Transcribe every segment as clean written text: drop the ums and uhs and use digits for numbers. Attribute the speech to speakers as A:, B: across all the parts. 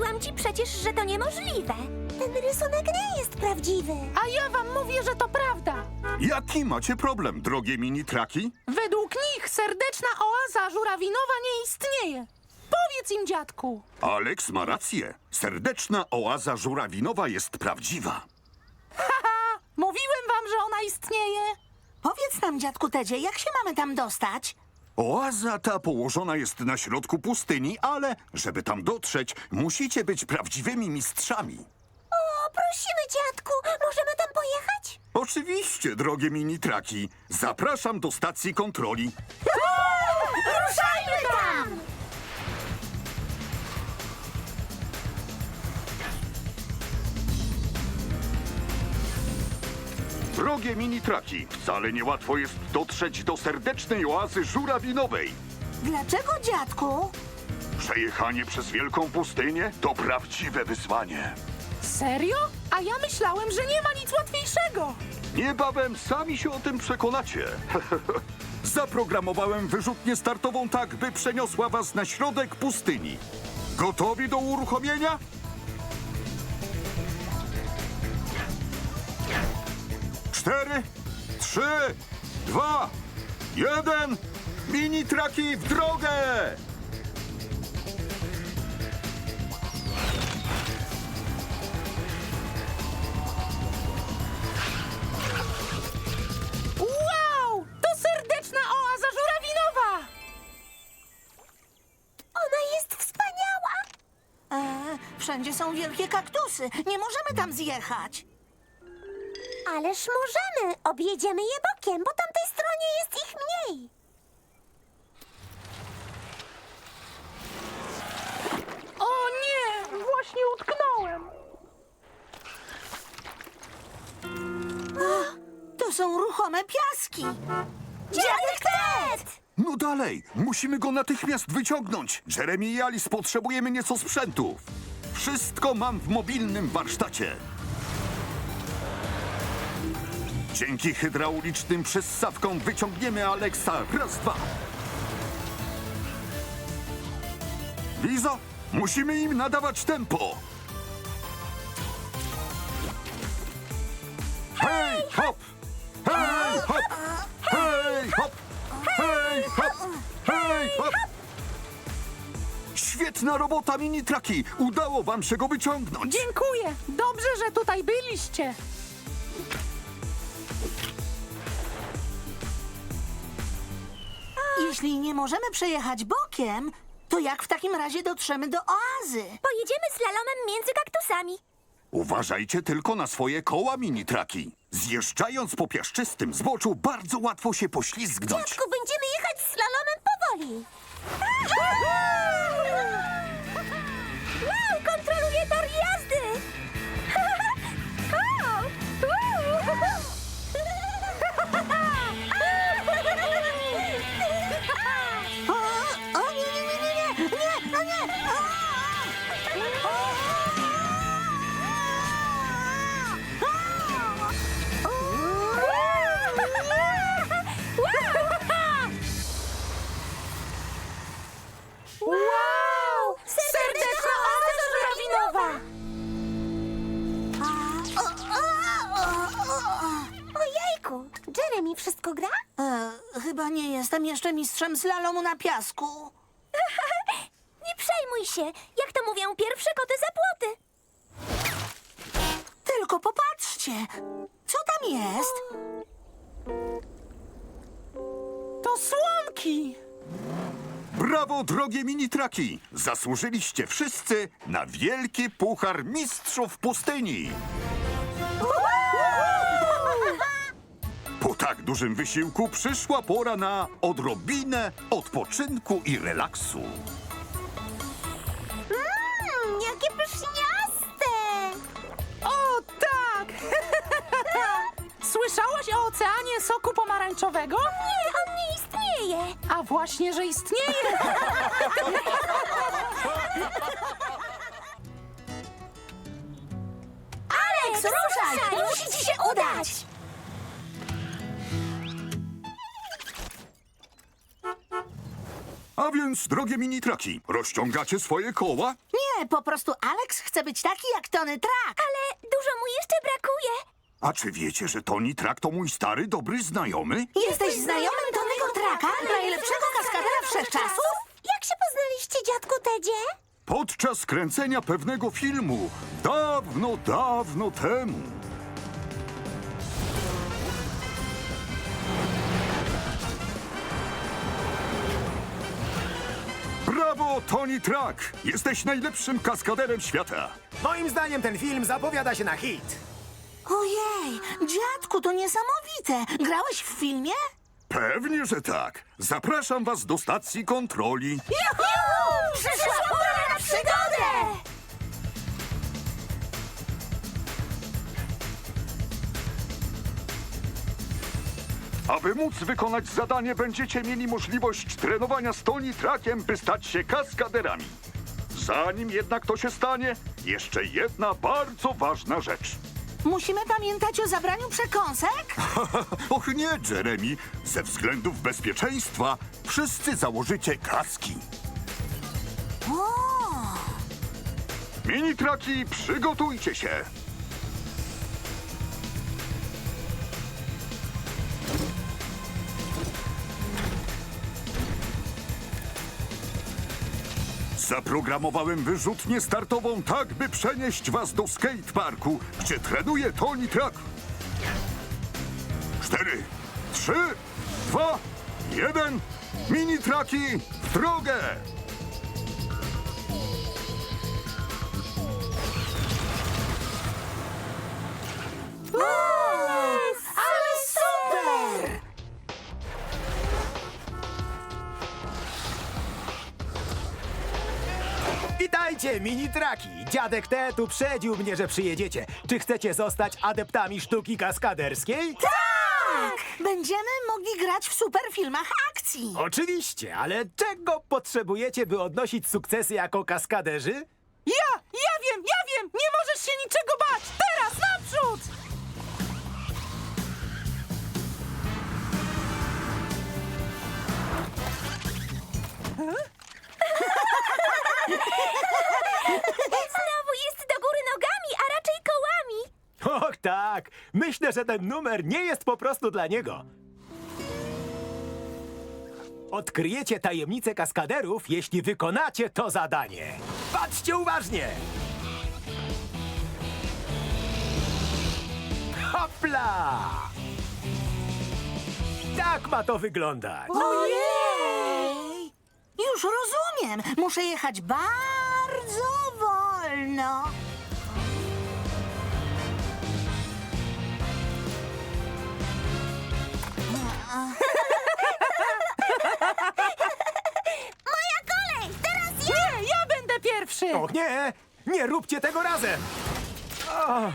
A: Mówiłam ci przecież, że to niemożliwe. Ten rysunek nie jest prawdziwy.
B: A ja wam mówię, że to prawda.
C: Jaki macie problem, drogie mini-traki?
B: Według nich serdeczna oaza żurawinowa nie istnieje. Powiedz im, dziadku.
C: Alex ma rację. Serdeczna oaza żurawinowa jest prawdziwa.
B: Haha, mówiłem wam, że ona istnieje.
D: Powiedz nam, dziadku Tedzie, jak się mamy tam dostać?
C: Oaza ta położona jest na środku pustyni, ale żeby tam dotrzeć, musicie być prawdziwymi mistrzami.
A: O, prosimy, dziadku, możemy tam pojechać?
C: Oczywiście, drogie mini-traki. Zapraszam do stacji kontroli.
A: Ruszajmy tam!
C: Drogie mini-traki, wcale niełatwo jest dotrzeć do serdecznej oazy żurawinowej.
D: Dlaczego, dziadku?
C: Przejechanie przez wielką pustynię to prawdziwe wyzwanie.
B: Serio? A ja myślałem, że nie ma nic łatwiejszego.
C: Niebawem sami się o tym przekonacie. Zaprogramowałem wyrzutnię startową tak, by przeniosła was na środek pustyni. Gotowi do uruchomienia? Cztery, 3, 2, 1. Mini-traki w drogę!
B: Wow! To serdeczna oaza żurawinowa!
A: Ona jest wspaniała!
D: Wszędzie są wielkie kaktusy. Nie możemy tam zjechać.
A: Ależ możemy! Objedziemy je bokiem, po tamtej stronie jest ich mniej.
B: O nie! Właśnie utknąłem.
D: To są ruchome piaski.
A: Dziadek Ted!
C: No dalej, musimy go natychmiast wyciągnąć. Jeremy i Alice potrzebujemy nieco sprzętów. Wszystko mam w mobilnym warsztacie. Dzięki hydraulicznym przyssawkom wyciągniemy Alexa. Raz, dwa. Lizo, musimy im nadawać tempo. Hej, hop! Hej, hop! Hej, hop! Hej, hop! Hej, hop! Świetna robota, mini-traki! Udało wam się go wyciągnąć.
B: Dziękuję. Dobrze, że tutaj byliście.
D: Jeśli nie możemy przejechać bokiem, to jak w takim razie dotrzemy do oazy?
A: Pojedziemy slalomem między kaktusami.
C: Uważajcie tylko na swoje koła, mini-traki. Zjeżdżając po piaszczystym zboczu, bardzo łatwo się poślizgnąć.
A: Dziadku, będziemy jechać slalomem powoli. Wow, kontroluję tor jazdy!
D: O nie, nie, nie, nie, nie, nie, no nie!
A: Wow! Serdeczna oaza żurawinowa! Ojejku, Jeremy wszystko gra?
D: Chyba nie jestem jeszcze mistrzem slalomu na piasku.
A: Nie przejmuj się, jak to mówią pierwsze koty za płoty.
D: Tylko popatrzcie, co tam jest?
B: To słomki.
C: Brawo, drogie mini-traki! Zasłużyliście wszyscy na wielki puchar mistrzów pustyni. Po tak dużym wysiłku przyszła pora na odrobinę odpoczynku i relaksu.
A: Jakie pyszniaste!
B: O tak! Słyszałaś o oceanie soku pomarańczowego?
A: Nie, on nie istnieje.
B: A właśnie, że istnieje!
A: Alex, ruszaj! Musi ci się udać!
C: A więc, drogie mini-traki, rozciągacie swoje koła?
D: Nie, Nie, po prostu Alex chce być taki jak Tony Trak.
A: Ale dużo mu jeszcze brakuje.
C: A czy wiecie, że Tony Trak to mój stary, dobry znajomy?
D: Jesteś znajomym Tonego Traka, najlepszego kaskadera wszechczasów?
A: Jak się poznaliście, dziadku Tedzie?
C: Podczas kręcenia pewnego filmu, dawno, dawno temu. Brawo, Tony Trak! Jesteś najlepszym kaskaderem świata.
E: Moim zdaniem ten film zapowiada się na hit.
D: Ojej, dziadku, to niesamowite. Grałeś w filmie?
C: Pewnie, że tak. Zapraszam was do stacji kontroli.
D: Juhu! Przyszła pora na przygodę!
C: Aby móc wykonać zadanie, będziecie mieli możliwość trenowania z Tony Trakiem, by stać się kaskaderami. Zanim jednak to się stanie, jeszcze jedna bardzo ważna rzecz.
D: Musimy pamiętać o zabraniu przekąsek?
C: Och nie, Jeremy. Ze względów bezpieczeństwa wszyscy założycie kaski.
D: O!
C: Mini-traki, przygotujcie się. Zaprogramowałem wyrzutnię startową tak, by przenieść was do skateparku, gdzie trenuje Tony Trak. 4, 3, 2, 1. Mini-traki w drogę!
D: Ale super!
E: Witajcie, mini-traki! Dziadek Ted uprzedził mnie, że przyjedziecie. Czy chcecie zostać adeptami sztuki kaskaderskiej?
D: Tak! Będziemy mogli grać w superfilmach akcji.
E: Oczywiście, ale czego potrzebujecie, by odnosić sukcesy jako kaskaderzy?
B: Ja wiem! Nie możesz się niczego bać! Teraz, naprzód!
A: Znowu jest do góry nogami, a raczej kołami.
E: Och tak, myślę, że ten numer nie jest po prostu dla niego. Odkryjecie tajemnicę kaskaderów, jeśli wykonacie to zadanie. Patrzcie uważnie! Hopla! Tak ma to wyglądać.
D: Ojej! Już rozumiem. Muszę jechać bardzo wolno.
A: Moja kolej! Teraz ja!
B: Nie, ja będę pierwszy!
E: Och nie! Nie róbcie tego razem! O.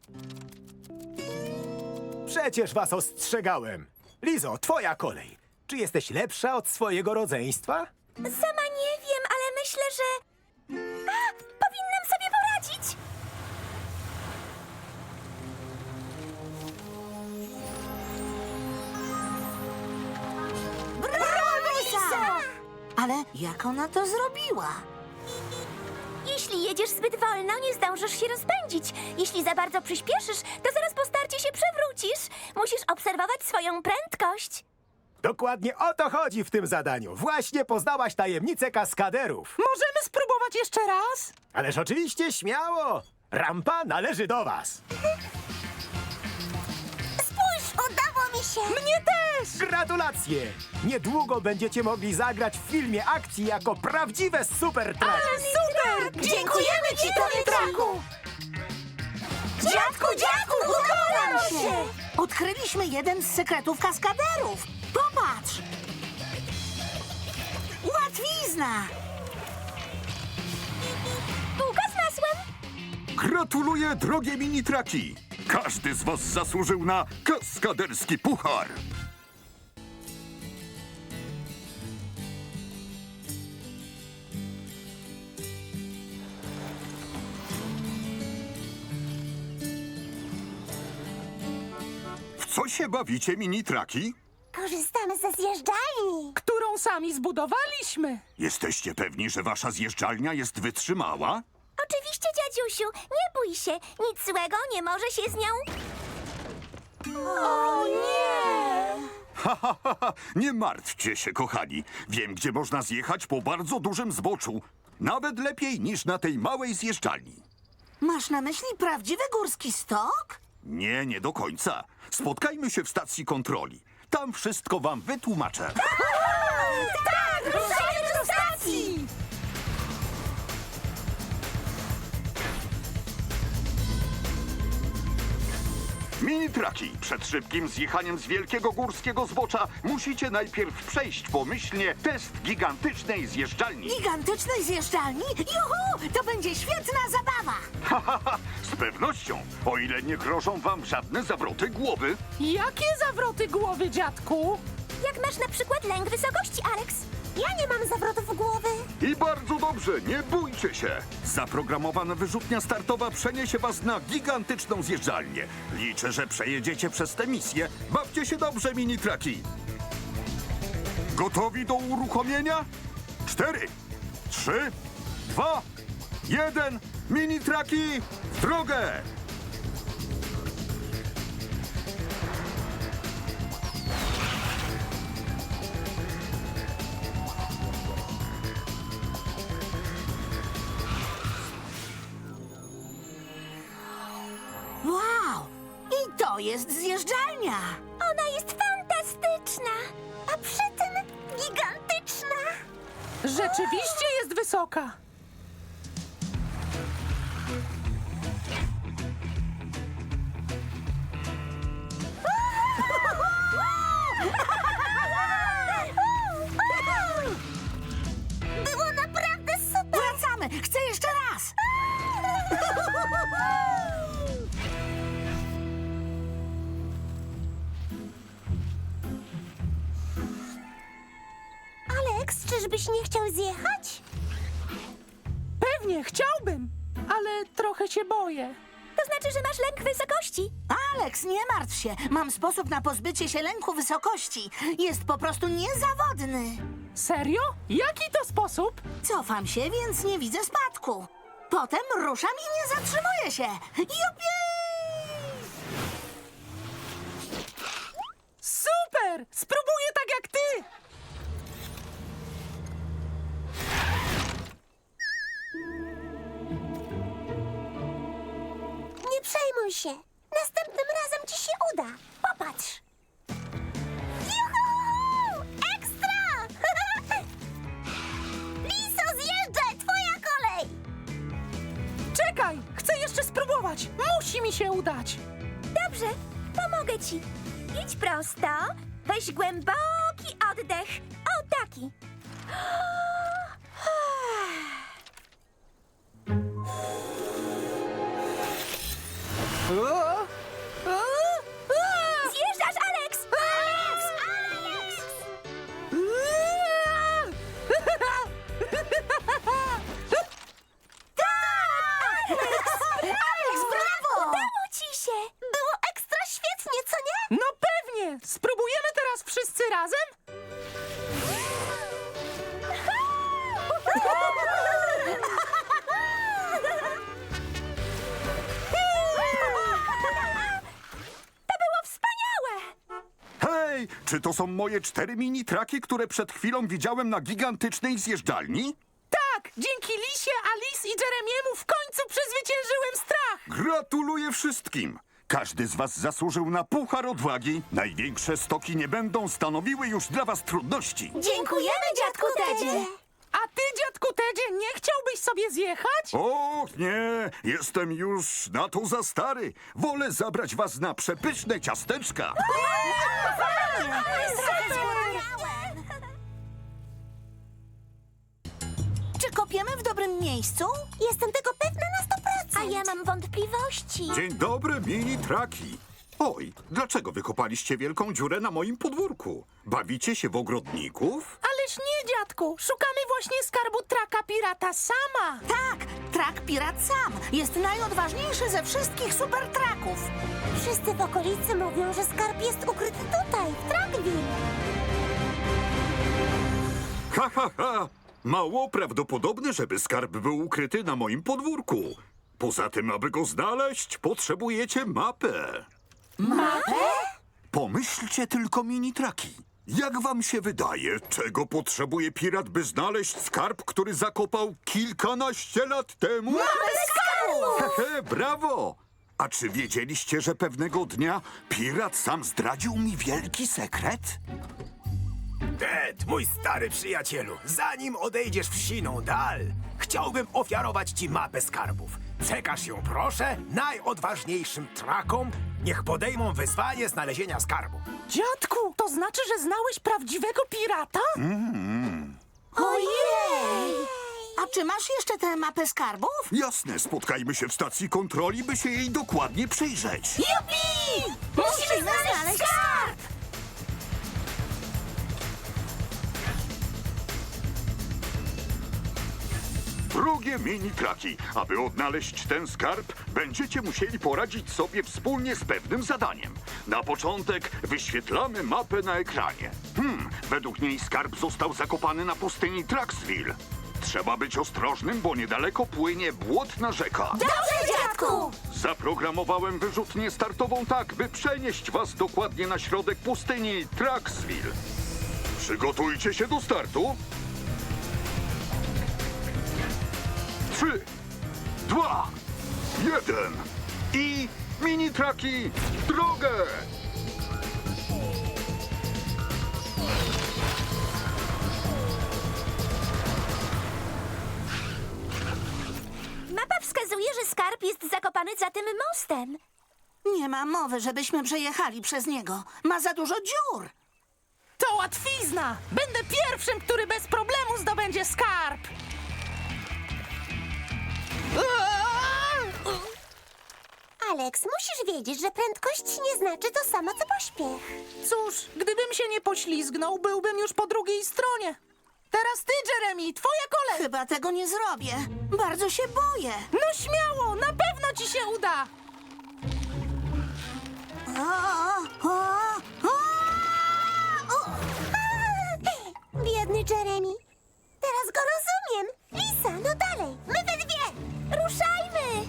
E: Przecież was ostrzegałem. Lizo, twoja kolej. Czy jesteś lepsza od swojego rodzeństwa?
A: Sama nie wiem, ale myślę, że... A, powinnam sobie poradzić.
D: Brawo, Lisa! Ale jak ona to zrobiła?
A: Jeśli jedziesz zbyt wolno, nie zdążysz się rozpędzić. Jeśli za bardzo przyspieszysz, to zaraz po starcie się przewrócisz. Musisz obserwować swoją prędkość.
E: Dokładnie o to chodzi w tym zadaniu. Właśnie poznałaś tajemnicę kaskaderów.
B: Możemy spróbować jeszcze raz?
E: Ależ oczywiście śmiało. Rampa należy do was.
A: Spójrz, udało mi się.
B: Mnie też!
E: Gratulacje! Niedługo będziecie mogli zagrać w filmie akcji jako prawdziwe super traki.
B: Super!
D: Dziękujemy ci, Tony Traku! Dziadku, udało nam się! Odkryliśmy jeden z sekretów kaskaderów. Popatrz! Łatwizna!
A: Bułka z masłem.
C: Gratuluję, drogie mini-traki! Każdy z was zasłużył na kaskaderski puchar! W co się bawicie, mini-traki?
A: skorzystamy ze zjeżdżalni.
B: Którą sami zbudowaliśmy.
C: Jesteście pewni, że wasza zjeżdżalnia jest wytrzymała?
A: Oczywiście, dziadziusiu, nie bój się. Nic złego nie może się z nią... O nie!
C: Nie martwcie się, kochani. Wiem, gdzie można zjechać po bardzo dużym zboczu. Nawet lepiej niż na tej małej zjeżdżalni.
D: Masz na myśli prawdziwy górski stok?
C: Nie, nie do końca. Spotkajmy się w stacji kontroli. Tam wszystko wam wytłumaczę.
A: Tak! Ruszajmy do stacji!
C: Mini-traki. Przed szybkim zjechaniem z wielkiego górskiego zbocza musicie najpierw przejść pomyślnie test gigantycznej zjeżdżalni.
D: Gigantycznej zjeżdżalni? Juhu! To będzie świetna zabawa!
C: Z pewnością, o ile nie grożą wam żadne zawroty głowy.
B: Jakie zawroty głowy, dziadku?
A: Jak masz na przykład lęk wysokości, Alex? Ja nie mam zawrotów głowy.
C: I bardzo dobrze, nie bójcie się. Zaprogramowana wyrzutnia startowa przeniesie was na gigantyczną zjeżdżalnię. Liczę, że przejedziecie przez tę misję. Bawcie się dobrze, mini-traki. Gotowi do uruchomienia? 4, 3, 2, 1. Mini-traki w drogę!
D: Wow! I to jest zjeżdżalnia!
A: Ona jest fantastyczna, a przy tym gigantyczna.
B: Rzeczywiście jest wysoka.
A: Było naprawdę super.
D: Wracamy! Chcę jeszcze raz!
A: Alex, czyżbyś nie chciał zjechać?
B: Pewnie chciałbym, ale trochę się boję.
A: To znaczy, że masz lęk wysokości.
D: Alex, nie martw się. Mam sposób na pozbycie się lęku wysokości. Jest po prostu niezawodny.
B: Serio? Jaki to sposób?
D: Cofam się, więc nie widzę spadku. Potem ruszam i nie zatrzymuję się. Jupi!
B: Super! Spróbuję tak jak ty!
A: Nie przejmuj się. Następnym razem ci się uda. Popatrz. Juhu! Ekstra! Liso, zjeżdżaj! Twoja kolej!
B: Czekaj! Chcę jeszcze spróbować! Musi mi się udać!
A: Dobrze, pomogę ci. Idź prosto. Weź głęboki oddech. O, taki. Zjeżdżasz, Alex! Alex! Alex!
D: Alex, brawo!
A: Udało ci się! Było ekstra świetnie, co nie?
B: No pewnie! Spróbujemy teraz wszyscy razem?
A: To było wspaniałe!
C: Hej, czy to są moje 4 mini-traki, które przed chwilą widziałem na gigantycznej zjeżdżalni?
B: Tak! Dzięki Lisie, Alice i Jeremiemu w końcu przezwyciężyłem strach!
C: Gratuluję wszystkim! Każdy z was zasłużył na puchar odwagi. Największe stoki nie będą stanowiły już dla was trudności.
A: Dziękujemy, dziadku Tedzie!
B: A ty, dziadku Tedzie, nie chciałbyś sobie zjechać?
C: Och nie, jestem już na to za stary. Wolę zabrać was na przepyszne ciasteczka.
D: Czy kopiemy w dobrym miejscu?
A: Jestem tego pewna na 100%. A ja mam wątpliwości.
C: Dzień dobry, mini-traki. Oj, dlaczego wykopaliście wielką dziurę na moim podwórku? Bawicie się w ogrodników?
B: Ależ nie, dziadku! Szukamy właśnie skarbu traka pirata sama!
D: Tak, trak Pirat Sam jest najodważniejszy ze wszystkich supertraków.
A: Wszyscy w okolicy mówią, że skarb jest ukryty tutaj, w Trakville.
C: Ha, ha, ha! Mało prawdopodobne, żeby skarb był ukryty na moim podwórku. Poza tym, aby go znaleźć, potrzebujecie mapę.
D: Mapę?
C: Pomyślcie tylko, mini-traki. Jak wam się wydaje, czego potrzebuje pirat, by znaleźć skarb, który zakopał kilkanaście lat temu? Hehe, brawo! A czy wiedzieliście, że pewnego dnia pirat sam zdradził mi wielki sekret?
E: Ted, mój stary przyjacielu, zanim odejdziesz w siną dal, chciałbym ofiarować ci mapę skarbów. Przekaż ją, proszę, najodważniejszym trakom, niech podejmą wyzwanie znalezienia skarbu.
B: Dziadku, to znaczy, że znałeś prawdziwego pirata?
D: Ojej! A czy masz jeszcze tę mapę skarbów?
C: Jasne, spotkajmy się w stacji kontroli, by się jej dokładnie przyjrzeć.
D: Jupi! Musimy znaleźć skarb!
C: Drogie mini-traki, aby odnaleźć ten skarb, będziecie musieli poradzić sobie wspólnie z pewnym zadaniem. Na początek wyświetlamy mapę na ekranie. Według niej skarb został zakopany na pustyni Traxville. Trzeba być ostrożnym, bo niedaleko płynie błotna rzeka.
A: Dobrze, dziadku!
C: Zaprogramowałem wyrzutnię startową tak, by przenieść was dokładnie na środek pustyni Traxville. Przygotujcie się do startu. 3, 2, 1 i mini-traki w drogę!
A: Mapa wskazuje, że skarb jest zakopany za tym mostem.
D: Nie ma mowy, żebyśmy przejechali przez niego. Ma za dużo dziur.
B: To łatwizna! Będę pierwszym, który bez problemu zdobędzie skarb!
A: Alex, musisz wiedzieć, że prędkość nie znaczy to samo, co pośpiech.
B: Cóż, gdybym się nie poślizgnął, byłbym już po drugiej stronie. Teraz ty, Jeremy, twoja kolej!
D: Chyba tego nie zrobię. Bardzo się boję.
B: No śmiało, na pewno ci się uda!
A: Biedny Jeremy. Teraz go rozumiem. Lisa, no dalej. My we dwie. Ruszajmy.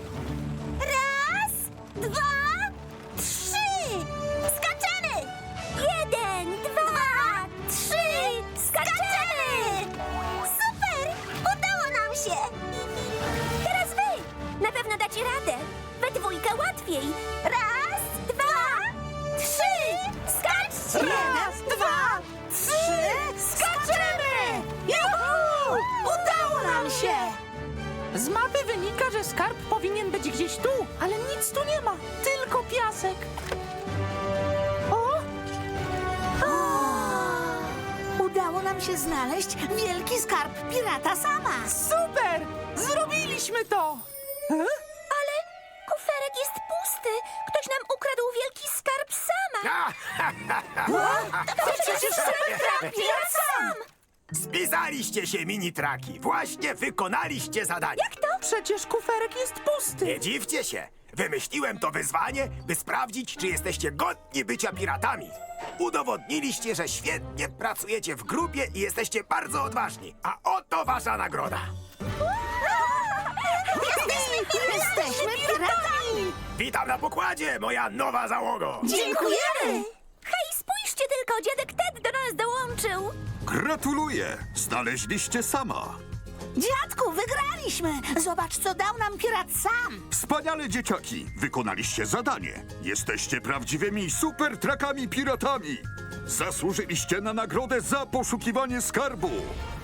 A: 1, 2, 3. Skaczemy. 1, 2, 3. Skaczemy. Super. Udało nam się. Teraz wy. Na pewno dacie radę. We dwójkę łatwiej. 1, 2, 3. Skaczcie.
D: 1, 2, 3. Skaczemy! Juhu! Udało nam się!
B: Z mapy wynika, że skarb powinien być gdzieś tu, ale nic tu nie ma. Tylko piasek. O!
D: Udało nam się znaleźć wielki skarb pirata sama.
B: Super! Zrobiliśmy to!
A: Ale kuferek jest pusty. Ktoś nam ukradł wielki skarb sama. To przecież skarb pirat sam.
E: Spisaliście się, mini-traki. Właśnie wykonaliście zadanie.
A: Jak to?
B: Przecież kuferek jest pusty.
E: Nie dziwcie się. Wymyśliłem to wyzwanie, by sprawdzić, czy jesteście godni bycia piratami. Udowodniliście, że świetnie pracujecie w grupie i jesteście bardzo odważni. A oto wasza nagroda.
D: Jesteśmy piratami!
E: Witam na pokładzie, moja nowa załogo.
D: Dziękujemy!
A: Hej, spójrzcie tylko, dziadek Ted do nas dołączył.
C: Gratuluję! Znaleźliście sama.
D: Dziadku, wygraliśmy! Zobacz, co dał nam pirat sam!
C: Wspaniale, dzieciaki! Wykonaliście zadanie. Jesteście prawdziwymi super-trakami piratami. Zasłużyliście na nagrodę za poszukiwanie skarbu.